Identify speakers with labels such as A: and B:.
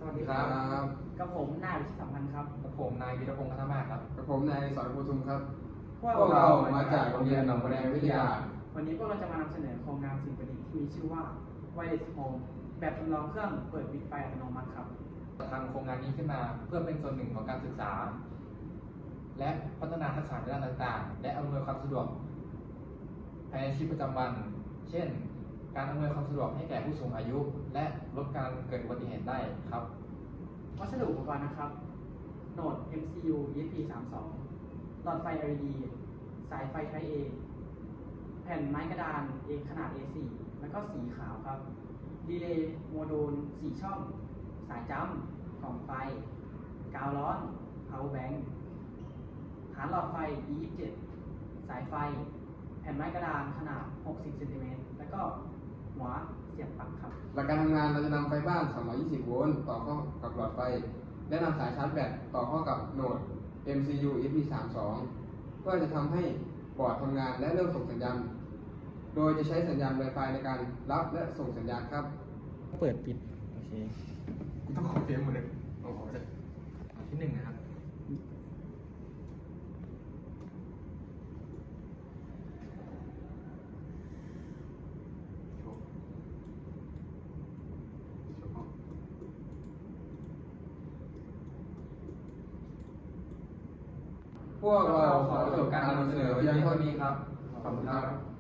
A: สวัสดีครับ
B: กับผมนายวิชิตสัมพันธ์ครับ
A: กับผมนายวีรพงศ์พัฒนาครับ
C: กับผมนายสอนภูทุมครับ
B: พวกเรา
C: มาจากโรงเรียนหนองบัวแดงวิทยา
B: วันนี้พวกเราจะมานำเสนอโครงงานสิ่งประดิษฐ์ที่มีชื่อว่า Wireless Home แบบจำลองเครื่องเปิดปิดไฟอัตโนมัติครับ
A: ทำโครงงานนี้ขึ้นมาเพื่อเป็นส่วนหนึ่งของการศึกษา และพัฒนาทักษะด้านต่างๆและอำนวยความสะดวกภายในชีวิตประจำวัน เช่น การอำนวยความสะดวกให้แก่ผู้สูงอายุ และลดการเกิดอุบัติเหตุได้ครับ
B: วัสดุอุปกรณ์นะครับโหนด MCU ESP32 หลอดไฟ LED สายไฟ Type A แผ่นไม้กระดาน ขนาด A4 แล้วก็สีขาวครับดีเลย์โมดูล4 ช่อง สายจัมป์กล่องไฟ กาวร้อน power bank ฐานหลอดไฟ E27 สายไฟ แผ่นไม้กระดานขนาด 60 เซนติเมตร แล้วก็หัวเสียบปลั๊กครับ
C: หลักการทำงานเราจะนำไฟบ้าน 220 โวลต์ต่อเข้ากับหลอดไฟ และนำสายชาร์จแบตต่อเข้ากับโหนด MCU ESP32 เพื่อจะทำให้บอร์ดทำงานและเริ่มส่งสัญญาณ โดยจะใช้สัญญาณ Wi-Fi ในการรับและส่งสัญญาณครับ
B: เปิดปิดโอเค
A: กูต้องขอเฟียมหมดเลยขอจากที่1นะครับ
C: พวกเราขอจบการนำเสนอเพียงเท่านี้ครับ
A: ขอบคุณครับ